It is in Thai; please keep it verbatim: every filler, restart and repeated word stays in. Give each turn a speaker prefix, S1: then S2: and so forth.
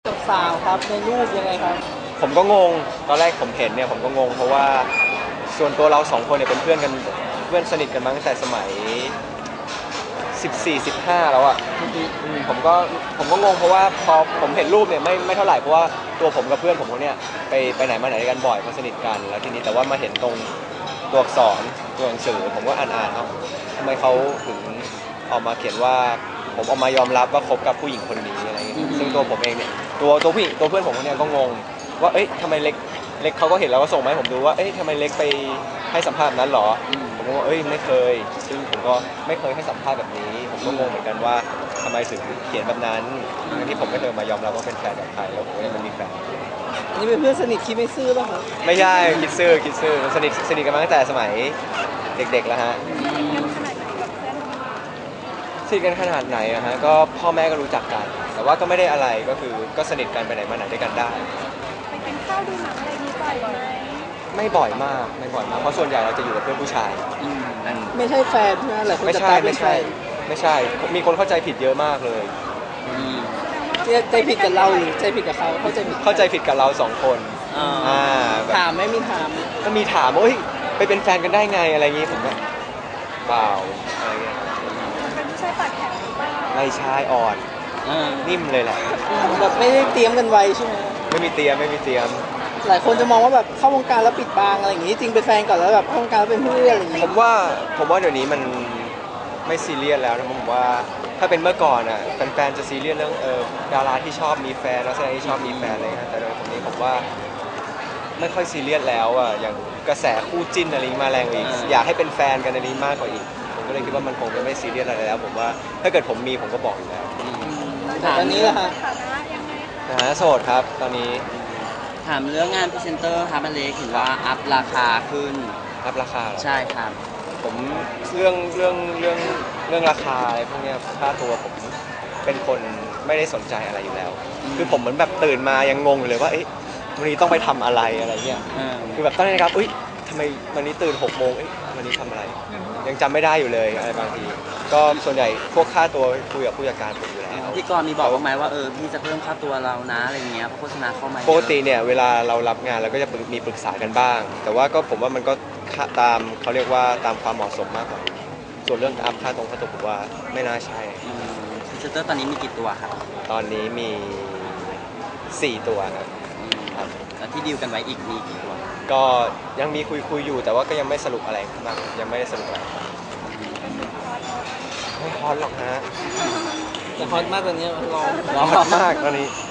S1: กับสาวครับในรูปยังไงครับ
S2: ผมก็งงตอนแรกผมเห็นเนี่ยผมก็งงเพราะว่าส่วนตัวเราสองคนเนี่ยเป็นเพื่อนกันเพื่อนสนิทกันมาตั้งแต่สมัยสิบสี่ สิบห้าแล้วอ่ะอืมผมก็ผมก็งงเพราะว่าพอผมเห็นรูปเนี่ยไม่ไม่เท่าไหร่เพราะว่าตัวผมกับเพื่อนผมคนเนี้ยไปไปไหนมาไหนด้วยกันบ่อยเพราะสนิทกันแล้วทีนี้แต่ว่ามาเห็นตรงตัวอักษรตัวหนังสือผมก็อ่านอ่านเอ้าทำไมเขาถึงออกมาเขียนว่าผมออกมายอมรับว่าคบกับผู้หญิงคนนี้อะไรอย่างเงี้ยซึ่งตัวผมเองเนี่ยตัวตัวผู้หญิงตัวเพื่อนผมคนเนี้ยก็งงว่าเอ้ยทำไมเล็กเล็กเขาก็เห็นแล้วก็ส่งมาให้ผมดูว่าเอ้ยทำไมเล็กไปให้สัมภาษณ์นั้นหรอผมก็ว่าเอ้ยไม่เคยซึ่งผมก็ไม่เคยให้สัมภาษณ์แบบนี้ผมก็งงเหมือนกันว่าทำไมถึงเขียนแบบนั้นทั้งที่ผมไม่เคยมายอมรับว่าเป็นแฟนกับใครแล้วผมก็ยังไม่มีแฟน
S1: อันนี้เป็นเพื่อนสนิทคิดไม่ซื่อป่ะครับ
S2: ไม่ใช่คิดซื่อคิดซื่อสนิทสนิทกันมาตั้งแต่สมัยเด็กๆแล้วฮะสนิทกันขนาดไหนอะฮะก็พ่อแม่ก็รู้จักกันแต่ว่าก็ไม่ได้อะไรก็คือก็สนิทกันไปไหนมาไหนด้วยกันได้
S3: ไปกินข้าวดูหนังอะไรนี้บ่อยไหม
S2: ไม่บ่อยมากไม่บ่อยมากเพราะส่วนใหญ่เราจะอยู่กับเพื่อนผู้ชาย
S1: ไม่ใช่แฟนใช่ไหมหลายคน
S2: ไม่
S1: จะ
S2: ใช่
S1: ตายเป็
S2: ไม่
S1: นแฟ
S2: ใช่
S1: น
S2: ไม่ใช่มีคนเข้าใจผิดเยอะมากเลย
S1: ใจผิดกับเราหรือใจผิดกับเขาเข้าใจผิด
S2: เข้าใจผิดกับเราสองคนอ่า
S1: ถามไม่มีถาม
S2: ก็มีถามว่าเฮ้ยไปเป็นแฟนกันได้ไงอะไรอย่างงี้ผมก็เปล่าอะไรเงี้ย
S3: เป็นผู้ชายปากแข็งหรือเปล่า
S2: ไม่ใช่อ่อนนิ่มเลยแหละ
S1: แบบไม่ได้เตรียมกันไว้ใช่ไหม
S2: ไม่มีเตรียมไม่มีเตรียม
S1: หลายคนจะมองว่าแบบเข้าวงการแล้วปิดบังอะไรอย่างงี้จริงเป็นแฟนก่อนแล้วแบบเข้าวงการแล้วเป็นเพื่อนอะไรอย่างงี้
S2: ผมว่าผมว่าเดี๋ยวนี้มันไม่ซีเรียสแล้วนะผมว่าถ้าเป็นเมื่อก่อนอ่ะแฟนๆจะซีเรียสเรื่องเออดาราที่ชอบมีแฟนนักแสดงที่ชอบมีแฟนอะไรเงี้ยแต่โดยตรงนี้ผมว่าไม่ค่อยซีเรียสแล้วอ่ะอย่างกระแสคู่จิ้นอะไรมาแรงอีกอยากให้เป็นแฟนกันอะไรมากกว่าอีกผมก็เลยคิดว่ามันคงจะไม่ซีเรียสอะไรแล้วผมว่าถ้าเกิดผมมีผมก็บอกอยู่แล้ว
S1: ตอนนี้ล่ะฮะ
S3: ฐานะยังไงคะ
S2: นะฮะโสดครับตอนนี้
S4: ถามเรื่องงานพรีเซนเตอร์ครับอเล็กเห็นว่าอัพราคาขึ้น
S2: อัพราคา
S4: ใช่ครับ
S2: ผมเรื่องเรื่องเรื่องเรื่องราคาอะไรพวกนี้ค่าตัวผมเป็นคนไม่ได้สนใจอะไรอยู่แล้วคือผมเหมือนแบบตื่นมายังงงอยู่เลยว่าเอ๊ะวันนี้ต้องไปทำอะไรอะไรเงี้ยคือแบบตอนนี้นะครับอุ้ยทำไมวันนี้ตื่นหกโมงเอ๊ะวันนี้ทำอะไรยังจำไม่ได้อยู่เลยอะไรบางทีก็ส่วนใหญ่พวกค่าตัวคุยกับผู้จัดการผมอยู่แล้ว
S4: พี่กรณ์มีบอกว่าไหมว่าเออพี่จะเพิ่มค่าตัวเรานะอะไรเงี้ยเพราะโฆษณาเข้ามา
S2: ปกติเนี่ยเวลาเรารับงานเราก็จะมีปรึกษากันบ้างแต่ว่าก็ผมว่ามันก็ตามเขาเรียกว่าตามความเหมาะสมมากกว่าส่วนเรื่องอัพค่าตรงค่าตัวผมว่าไม่น่าใช่
S4: พรีเซนเตอร์ตอนนี้มีกี่ตัวครับ
S2: ตอนนี้มีสี่ตัวครับ
S4: ครับแล้วที่ดีลกันไว้อีกมีกี่ตัว
S2: ก็ยังมีคุยคุยอยู่แต่ว่าก็ยังไม่สรุปอะไรมากยังไม่ได้สรุปอะไรไม่ฮอตหรอกฮะ
S1: แต่ฮอตมากตอนนี้ร้อน
S2: ร้อนมากตอนนี้